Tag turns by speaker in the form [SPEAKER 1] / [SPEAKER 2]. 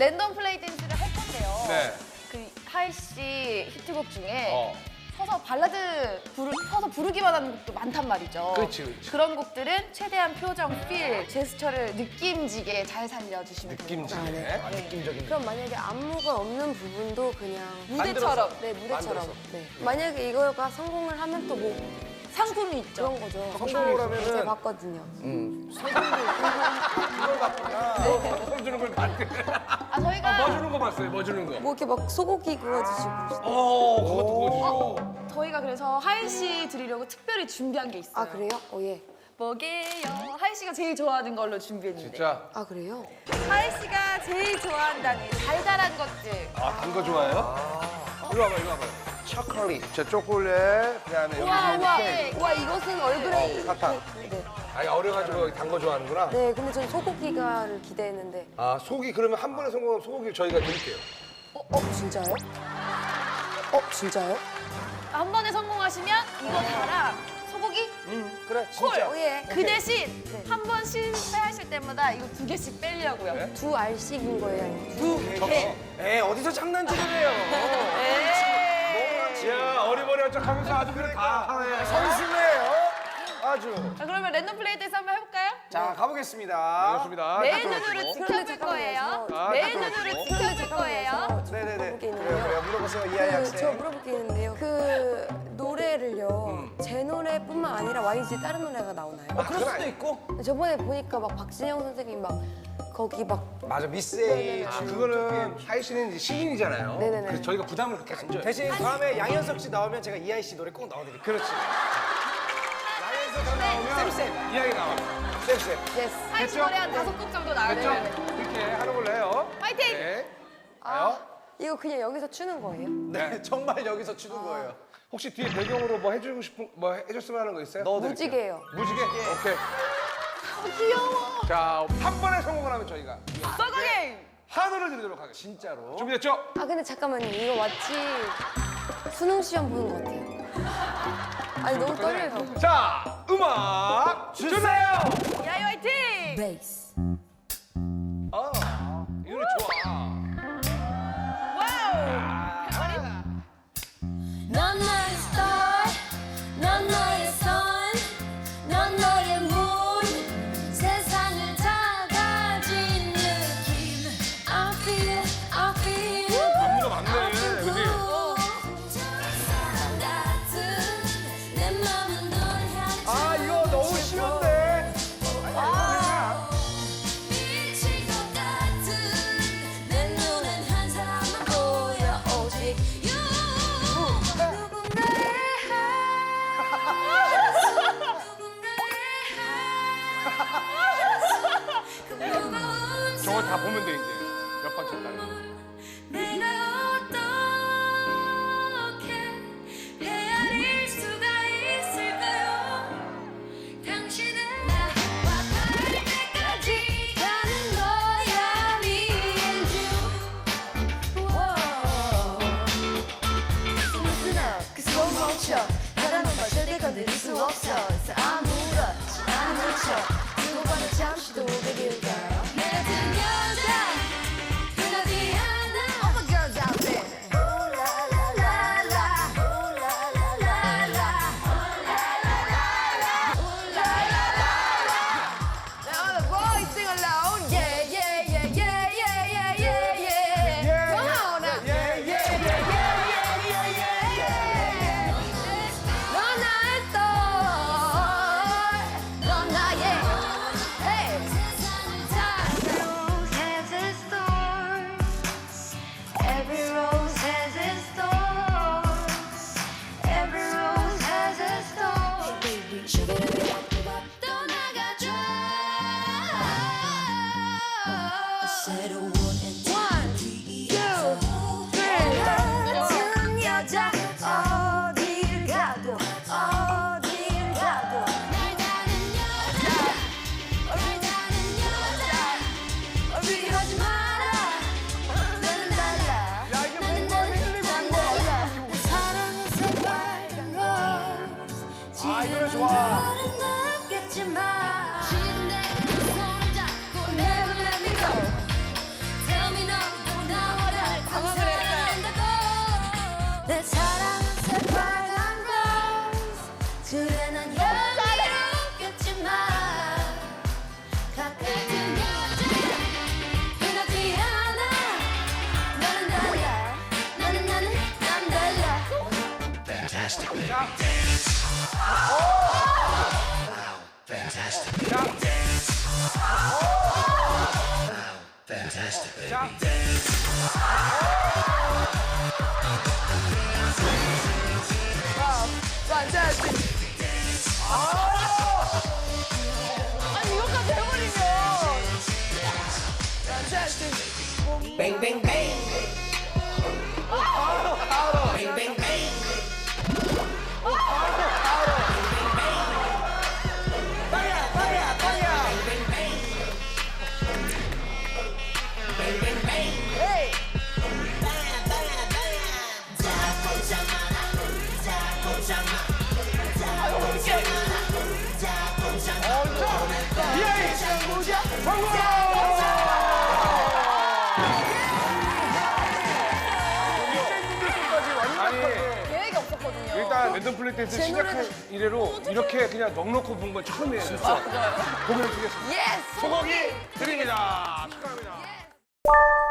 [SPEAKER 1] 랜덤 플레이 댄스를 할 건데요.
[SPEAKER 2] 네.
[SPEAKER 1] 그 하이 씨 히트곡 중에 서서 발라드 서서 부르기만 하는 곡도 많단 말이죠.
[SPEAKER 2] 그렇지.
[SPEAKER 1] 그런 곡들은 최대한 표정, 필, 제스처를 느낌지게 잘 살려주시면 됩니다.
[SPEAKER 2] 느낌지게.
[SPEAKER 3] 느낌적인. 그럼 만약에 안무가 없는 부분도 그냥
[SPEAKER 1] 무대처럼.
[SPEAKER 3] 네, 무대처럼.
[SPEAKER 2] 만들어서.
[SPEAKER 3] 네. 만약에 이거가 성공을 하면 또 뭐
[SPEAKER 1] 상품이 있죠.
[SPEAKER 3] 그런 거죠.
[SPEAKER 2] 성공을
[SPEAKER 3] 제가
[SPEAKER 2] 하면은
[SPEAKER 3] 봤거든요.
[SPEAKER 2] 뭐 주는 걸 봤대.
[SPEAKER 1] 저희가
[SPEAKER 2] 뭐 주는 거 봤어요? 뭐 주는 거?
[SPEAKER 3] 뭐 이렇게 막 소고기 구워주시고.
[SPEAKER 2] 그것도 보여주죠.
[SPEAKER 1] 저희가 그래서 하이 씨 드리려고 특별히 준비한 게 있어요.
[SPEAKER 3] 아 그래요? 예.
[SPEAKER 1] 뭐게요? 하이 씨가 제일 좋아하는 걸로 준비했는데.
[SPEAKER 2] 진짜?
[SPEAKER 3] 아 그래요?
[SPEAKER 1] 하이 씨가 제일 좋아한다는 달달한 것들.
[SPEAKER 2] 단 거 좋아해요? 이리 와봐, 이리 와봐. 초콜릿. 저 초콜릿, 그다음에
[SPEAKER 1] 우와, 우와.
[SPEAKER 2] 케이크.
[SPEAKER 3] 와 이것은 얼그레이.
[SPEAKER 2] 사탕.
[SPEAKER 3] 네.
[SPEAKER 2] 아니, 어려가지고 단 거 좋아하는구나.
[SPEAKER 3] 네, 근데 전 소고기가를 기대했는데.
[SPEAKER 2] 아, 소고기 그러면 한 번에 성공하면 소고기를 저희가 드릴게요.
[SPEAKER 3] 진짜요? 진짜요?
[SPEAKER 1] 한 번에 성공하시면 이거 다랑 소고기
[SPEAKER 2] 그래,
[SPEAKER 1] 콜.
[SPEAKER 3] 예.
[SPEAKER 1] 그 대신 한 번 실패하실 때마다 이거 2개씩 빼려고요.
[SPEAKER 3] 두 알씩인 거예요? 아니면
[SPEAKER 4] 에 어디서 장난질을 해요?
[SPEAKER 2] 야, 어리버리한 척 하면서 아주 그래 다 하네.
[SPEAKER 4] 선수네요. 아주.
[SPEAKER 1] 자, 그러면 랜덤 플레이 댄스 한번 해볼까요?
[SPEAKER 4] 자 가보겠습니다.
[SPEAKER 2] 좋습니다.
[SPEAKER 1] 내
[SPEAKER 2] 딱
[SPEAKER 1] 눈으로
[SPEAKER 2] 들어주시고.
[SPEAKER 1] 지켜줄 거예요.
[SPEAKER 2] 아,
[SPEAKER 1] 내
[SPEAKER 2] 딱
[SPEAKER 1] 눈으로
[SPEAKER 2] 들어주시고.
[SPEAKER 1] 지켜줄 거예요.
[SPEAKER 4] 네네네.
[SPEAKER 3] 물어볼 게
[SPEAKER 4] 그래요,
[SPEAKER 3] 있는데요.
[SPEAKER 4] 그래요. 물어보세요 이하이
[SPEAKER 3] 저
[SPEAKER 4] 학생.
[SPEAKER 3] 물어볼 게 있는데요. 그 노래를요, 제 노래뿐만 아니라 YG 다른 노래가 나오나요?
[SPEAKER 4] 그럴 수도 있고.
[SPEAKER 3] 저번에 보니까 막 박진영 선생님 막 거기 막
[SPEAKER 4] 맞아 미스 A.
[SPEAKER 2] 아, 그거는 하이 씨는 이제 신인이잖아요.
[SPEAKER 3] 네네네.
[SPEAKER 2] 그래서 저희가 부담을 그렇게 안 줘요.
[SPEAKER 4] 대신 다음에 양현석 씨 나오면 제가 이하이 씨 노래 꼭 넣어드릴게요.
[SPEAKER 2] 그렇지.
[SPEAKER 4] 양현석 씨 나오면 쌤쌤.
[SPEAKER 2] 이야기 나와.
[SPEAKER 4] 쌤쌤.
[SPEAKER 3] 예스.
[SPEAKER 1] 하이 씨
[SPEAKER 2] 됐죠?
[SPEAKER 1] 노래 한 5곡 정도 나와요.
[SPEAKER 2] 됐죠? 이렇게 하는 걸로 해요.
[SPEAKER 1] 파이팅!
[SPEAKER 2] 네.
[SPEAKER 3] 이거 그냥 여기서 추는 거예요?
[SPEAKER 4] 네 정말 여기서 추는 거예요.
[SPEAKER 2] 혹시 뒤에 배경으로 뭐 해주고 싶은, 뭐 해줬으면 하는 거 있어요?
[SPEAKER 4] 넣어드릴게요.
[SPEAKER 3] 무지개예요.
[SPEAKER 2] 무지개? 오케이.
[SPEAKER 1] 귀여워.
[SPEAKER 2] 자, 한 번에 성공을 하면 저희가
[SPEAKER 1] 서거게임.
[SPEAKER 2] 한우를 드리도록 하겠습니다.
[SPEAKER 4] 진짜로.
[SPEAKER 2] 준비됐죠?
[SPEAKER 3] 아 근데 잠깐만요. 이거 마치 수능 시험 보는 것 같아요. 아니 너무 떨려요.
[SPEAKER 2] 자, 음악 주세요!
[SPEAKER 1] 야이 화이팅!
[SPEAKER 3] 베이스.
[SPEAKER 2] 이 노래 좋아.
[SPEAKER 1] 와우.
[SPEAKER 3] 넌 나의 star, 넌 너의 sun, 넌 너의 moon, 세상을 다 가진 느낌. I feel
[SPEAKER 2] 안무가 많네, 그지?
[SPEAKER 3] 사랑 같은 내 맘은 널 향해
[SPEAKER 4] 아 이거 너무 쉬운데.
[SPEAKER 3] 미칠 것 같은 내 눈엔 한 사람만 보여 오직 you. 누군가의
[SPEAKER 2] 저거 다 보면 돼, 이제. 몇 번 쳤다.
[SPEAKER 3] 내가 어떻게 헤아릴 수가 있을까요? 당신은 나와 닿을 때까지 가는 거야 me and you. Listen up, 그 손 멈춰. 바람은 걸 절대 건드릴 수 없어. 아무렇지 않은 척 두고 봐도 잠시 도 baby girl. 내 같은 여자 흔하지 않아. All the girls out there.
[SPEAKER 1] 아니 이것까지 해버리면.
[SPEAKER 5] Bang bang bang. Bang bang bang.
[SPEAKER 4] 빵야, 빵야, 빵야.
[SPEAKER 5] Bang bang bang. Bang bang bang.
[SPEAKER 4] 에이. 비아이 성공!
[SPEAKER 2] 아니
[SPEAKER 1] 계획이 없었거든요.
[SPEAKER 2] 일단 랜덤 플레이 댄스 시작한 이래로 이렇게 그냥 넉넉히 본 건 처음이에요. 진짜. 공연 주겠습니다.
[SPEAKER 1] 예스!
[SPEAKER 2] 소고기 드립니다. 축하합니다.